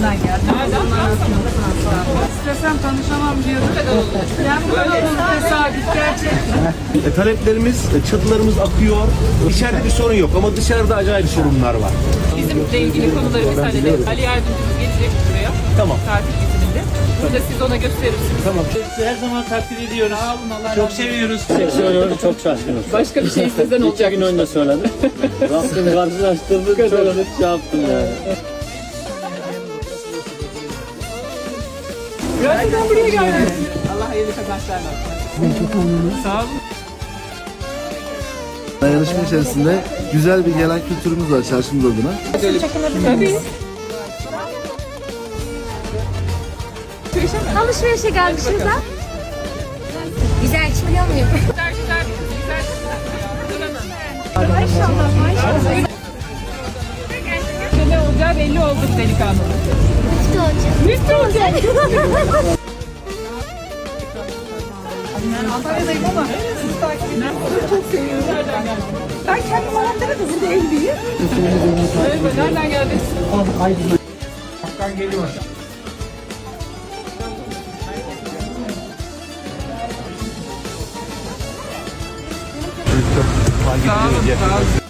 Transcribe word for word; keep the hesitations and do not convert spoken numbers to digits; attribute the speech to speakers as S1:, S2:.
S1: Erzurum'dan geldim. İstesem tanışamam diyordum. Yani bu kadar olur tesadüf gerçekten.
S2: E, taleplerimiz, e, çatılarımız akıyor. İçeride bir sorun yok ama dışarıda acayip sorunlar var.
S3: Bizimle ilgili konuları biz halledelim. Ali yardımcımız gelecek buraya.
S2: Tamam.
S3: Tatil izninde. Burada siz ona gösterirsiniz.
S2: Tamam.
S4: Her zaman takdir ediyoruz.
S3: Sağ olun, Allah razı
S4: Çok
S3: olsun.
S4: seviyoruz.
S5: Söylüyorum, çok şaşkınım.
S3: Başka bir şey istesen
S5: İki
S3: olacak.
S5: gün önce söyledim. Rabbim karşılaştırdı, çok şey yaptım yani.
S3: Gerçekten buraya geldim. Allah hayırlı kazançlar versin.
S4: Sağ olun.
S6: Dayanışma içerisinde güzel bir gelen kültürümüz var çarşımız adına.
S3: Tabii.
S7: Alışverişe gelmişiz ha. Güzel çıkıyor muyum?
S3: Güzel güzel. Güzel.
S7: Maşallah maşallah.
S3: Ne olacağı belli oldu delikanlı.
S7: Müftü olacak. Müftü olacak.
S1: Ben Antalya'dayım ama sizi takip ediyorum. Çok seviyorum.
S3: Nereden geldin?
S1: Ben kendim Antalya'da burada evliyim.
S3: Evet, nereden geldin? Sağ olun, sağ olun.